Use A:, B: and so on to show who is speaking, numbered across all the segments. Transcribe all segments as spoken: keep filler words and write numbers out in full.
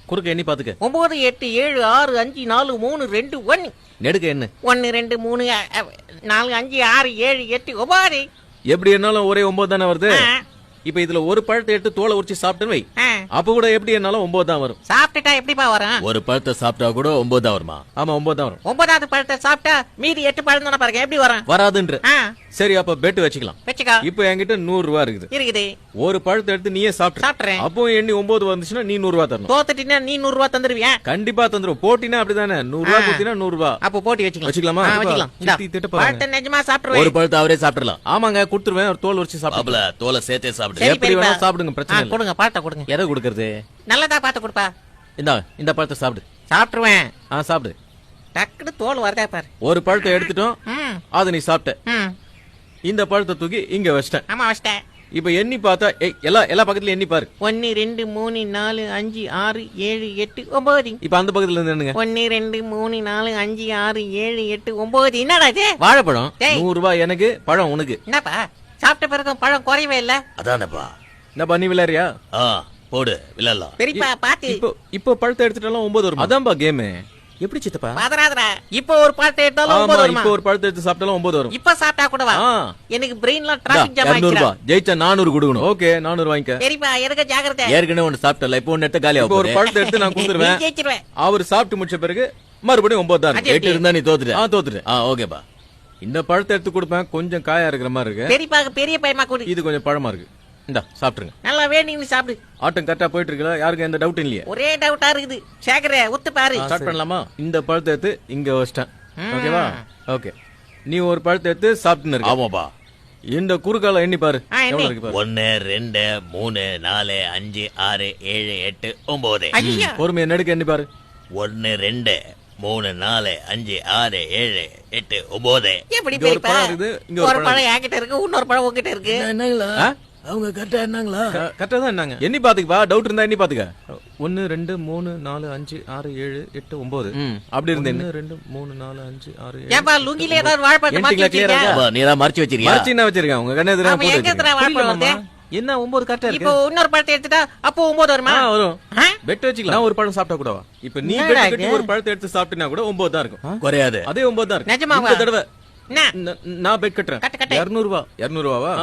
A: குறுக்க எண்ணி பாத்துக்க.
B: ஒன்பது எட்டு ஏழு ஆறு அஞ்சு நாலு மூணு ரெண்டு ஒன்னு.
A: நெடுக்க என்ன?
B: ஒன்னு ரெண்டு மூணு நாலு அஞ்சு ஆறு ஏழு எட்டு ஒன்பது.
A: எப்படி என்னாலும் ஒரே ஒன்பது தானே வருது. இப்ப இதுல ஒரு பழத்தை எடுத்து தோலை உரிச்சு சாப்பிட்டுன்னு வை, அப்ப கூட எப்படி என்னாலும் ஒன்பது தான் வரும்.
B: சாப்பிட்டுட்டா எப்படிப்பா வரும்?
A: ஒரு பழத்தை சாப்பிட்டா கூட ஒன்பது தான் வருமா? ஆமா ஒன்பது தான் வரும்.
B: ஒன்பதாவது பழத்தை சாப்பிட்டா மீதி எட்டு பழம் தானே பாருங்க, எப்படி வரும்?
A: வராதுன்ற. சரி அப்ப பெட் வச்சுக்கலாம்.
B: வச்சுக்கோ.
A: இப்ப என்கிட்ட நூறு ரூபா இருக்குது.
B: இருக்குது.
A: ஒரு பழத்தை எடுத்து நீயே சாப்பிட்டு
B: சாப்பிடுறேன்.
A: அப்போ எண்ணி ஒன்பது வந்துச்சுன்னா நீ நூறு ரூபா தரணும்.
B: தோத்துட்டீங்கன்னா நீ நூறு ரூபா தந்துருவியா?
A: கண்டிப்பா தந்துரும். போட்டினா அப்படிதானே, நூறு ரூபா கொடுத்தீங்கன்னா நூறு ரூபா.
B: அப்போ போட்டி வச்சுக்கலாம்.
A: வச்சுக்கலாமா?
B: வச்சுக்கலாம். பழத்தை நிஜமா சாப்பிடுவேன்.
A: ஒரு பழத்தை அவரே சாப்பிடலாம். ஆமாங்க கொடுத்துருவேன். ஒரு தோல் உரிச்சு சாப்பிடல. தோலை சேர்த்தே சாப்பிடு. எப்படி வேணா சாப்பிடுங்க, பிரச்சனை இல்ல.
B: கொடுங்க பழத்தை கொடுங்க.
A: எதை கொடுக்கறது?
B: நல்லதா பார்த்து கொடுப்பா.
A: இந்தா இந்த பழத்தை சாப்பிடு.
B: சாப்பிட்டுருவேன்.
A: ஆ சாப்பிடு.
B: டக்குனு தோல் வரதா பாரு.
A: ஒரு பழத்தை எடுத்துட்டோம், அதை நீ சாப்பிட்ட. இந்த பழத்தை தூக்கி இங்க வச்சிட்டேன்.
B: ஆமா வச்சிட்டேன்.
A: இப்ப எண்ணி பார்த்தா எல்லா எல்லா பக்கத்துல எண்ணி பாரு.
B: ஒன்னு ரெண்டு மூணு நாலு அஞ்சு ஆறு ஏழு எட்டு ஒன்பது.
A: இப்ப அந்த பக்கத்துல இருந்து என்னங்க?
B: ஒன்னு ரெண்டு மூணு நாலு அஞ்சு ஆறு ஏழு எட்டு ஒன்பது. என்னடா இது?
A: வாழைப்பழம். நூறு ரூபாய் எனக்கு, பழம் உனக்கு.
B: என்னப்பா சாப்பிட்ட பிறகு பழம் குறையவே இல்ல.
C: அதானப்பா.
A: என்னப்பா நீ விளையாடுறியா?
C: போடு விளையாடலாம்.
B: பெரியப்பா பாத்து.
A: இப்போ இப்போ பழத்தை எடுத்துட்டாலும் ஒன்பது வரும். அதான்பா கேம். எப்படி சித்தப்பா?
B: பாதராதரா. இப்போ ஒரு பழத்தை எடுத்தாலும் ஒன்பது வரும்.
A: இப்போ ஒரு பழத்தை எடுத்து சாப்பிட்டாலும் ஒன்பது வரும்.
B: இப்ப சாப்பிட்டா கூட வா. எனக்கு பிரெயின்ல டிராபிக் ஜாம் ஆயிடுச்சு.
A: இருநூறு ரூபாய் ஜெயிச்சா நானூறு கொடுக்கணும். ஓகே நானூறு வாங்கிக்க.
B: பெரியப்பா எனக்கு ஜாக்கிரதை.
A: ஏற்கனவே ஒன்னு சாப்பிட்டல, இப்போ ஒன்னு எடுத்து காலியா. இப்போ ஒரு பழத்தை எடுத்து நான் கொடுத்துருவேன்.
B: ஜெயிச்சிருவேன்.
A: அவர் சாப்பிட்டு முடிச்ச பிறகு மறுபடியும் ஒன்பது தான். எட்டு இருந்தா நீ தோத்துட்ட. ஆ தோத்துட்ட. ஆ ஓகேப்பா. இந்த பழத்தை எடுத்து கொடுப்பேன். கொஞ்சம் காயா இருக்கிற மாதிரி இருக்கு.
B: பெரியப்பா பெரிய பையமா கொடு.
A: இது கொஞ்சம் பழமா இருக்கு. இந்தா சாப்பிட்டுருங்க.
B: நல்லா வேணும்னு சாப்பிடு.
A: ஆட்டம் கரெக்டா போயிட்டு இருக்குல்ல? யாருக்கு எந்த டவுட் இல்லையா?
B: ஒரே டவுட்டா இருக்குது. சேகரே ஒத்து பாரு.
A: ஸ்டார்ட் பண்ணலாமா? இந்த பழத்தை எடுத்து இங்க வச்சிட்டேன். ஓகேவா? ஓகே. நீ ஒரு பழத்தை எடுத்து சாப்பிட்டுன்னு இருக்க.
C: ஆமாப்பா.
A: இந்த குறுக்கால எண்ணி பாரு. எவ்வளவு இருக்கு பாரு.
C: ஒன்னு ரெண்டு மூணு நாலு அஞ்சு ஆறு ஏழு எட்டு ஒன்பது.
A: பொறுமையா நெடுக்க எண்ணி பாரு.
C: ஒன்னு ரெண்டு மூணு நாலு அஞ்சு ஆறு ஏழு எட்டு ஒன்பது.
B: எப்படி
A: ஒரு பழம் இருக்குது, இங்க
B: ஒரு பழம் என்கிட்ட இருக்கு, இன்னொரு பழம் உங்ககிட்ட இருக்கு.
C: என்னங்களா அவங்க கரெக்டா என்னங்களா?
A: கரெக்டா தான் என்னங்க? எண்ணி பாத்துக்கப்பா. டவுட் இருந்தா எண்ணி பாத்துக்க. ஒன்னு ரெண்டு மூணு நாலு அஞ்சு ஆறு ஏழு எட்டு ஒன்பது. அப்படி இருந்தேன். ஒன்னு ரெண்டு மூணு நாலு அஞ்சு ஆறு ஏழு.
B: ஏப்பா லுங்கில ஏதாவது வாழைப்பழம் மாத்தி வச்சிருக்கியா?
C: நீ தான் மறைச்சு வச்சிருக்கியா?
A: மறைச்சு என்ன வச்சிருக்கேன்? உங்க கண்ணே எதிரா போட்டு
B: வச்சிருக்கேன். வாழைப்பழம்
A: என்ன ஒன்பது கரெக்டா இருக்கு.
B: இப்போ இன்னொரு பழத்தை எடுத்துட்டா அப்போ ஒன்பது வருமா?
A: வரும். பெட் வச்சுக்கலாம். நான் ஒரு பழம் சாப்பிட்டா கூடவா? இப்ப நீ பெட் கட்டி ஒரு பழத்தை எடுத்து சாப்பிட்டினா கூட ஒன்பது தான் இருக்கும்.
C: குறையாது.
A: அதே ஒன்பது தான் இருக்கு.
B: நிஜமாவா?
A: இந்த தடவை
B: என்ன
A: நான் பெட் கட்டுறேன். இருநூறு ரூபாய். இருநூறு ரூபாவா?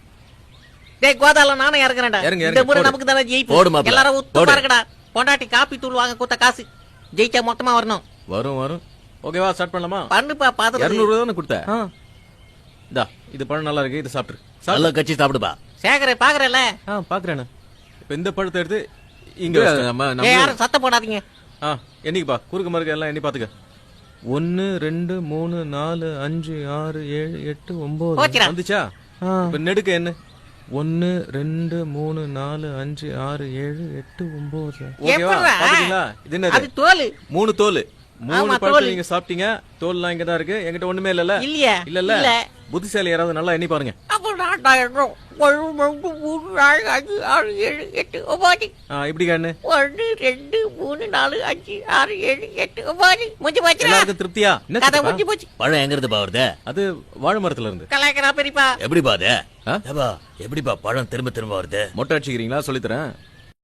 B: டேய் கோதால நானே இறங்குறேன்டா. இந்த முறை நமக்கு தான ஜெயிப்போம். எல்லாரும் உத்து பாருங்கடா. பொண்டாட்டி காப்பி தூள் வாங்க கொடுத்த காசு ஜெயிச்சா மொத்தமா வரணும்.
A: வரும் வரும். ஓகேவா? ஸ்டார்ட் பண்ணலாமா?
B: பண்ணுப்பா பாத்து.
A: இருநூறு ரூபாய் தான கொடுத்த. இந்தா இது பழம் நல்லா இருக்கு. இது சாப்பிடு.
C: நல்லா கச்சி சாப்பிடுப்பா.
B: சேகரே பாக்குறல?
A: ஆ பாக்குறேன். இப்ப இந்த பழத்தை எடுத்து இங்க நம்ம
B: யாரும் சத்தம் போடாதீங்க.
A: ஆ என்னைக்குப்பா குறுக்கு மறுக்க எல்லாம் எண்ணி பாத்துக்க. ஒன்னு ரெண்டு மூணு நாலு அஞ்சு ஆறு ஏழு எட்டு ஒன்பது வந்துச்சா? இப்ப நெடுக்க என்ன? ஒன்னு ரெண்டு மூணு நாலு அஞ்சு ஆறு ஏழு எட்டு ஒன்பது. ஓகேவா? பாத்தீங்களா? இது என்னது?
B: அது தோல்.
A: மூணு தோல். மூணு பழத்தை நீங்க சாப்பிட்டீங்க. தோல்லாம் இங்க தான் இருக்கு. என்கிட்ட ஒண்ணுமே இல்லல.
B: இல்லையா?
A: இல்ல இல்ல. புத்திசாலி யாராவது நல்லா எண்ணி பாருங்க. இப்படி கண்ணு.
B: ஒன்னு ரெண்டு மூணு நாலு அஞ்சு ஆறு ஏழு எட்டு ஒன்பது. முடிஞ்சு போச்சு.
A: எல்லாருக்கும் திருப்தியா?
B: கதை முடிஞ்சு போச்சு.
C: பழம் எங்க இருந்து பாவுறது?
A: அது வாழை மரத்துல இருந்து.
B: கலாய்க்கிறா பெரியப்பா.
C: எப்படி பாது? எப்படிப்பா பழம் திரும்ப திரும்ப வருது?
A: மொட்டை அடிச்சுக்கிறீங்களா? சொல்லித்தரேன்.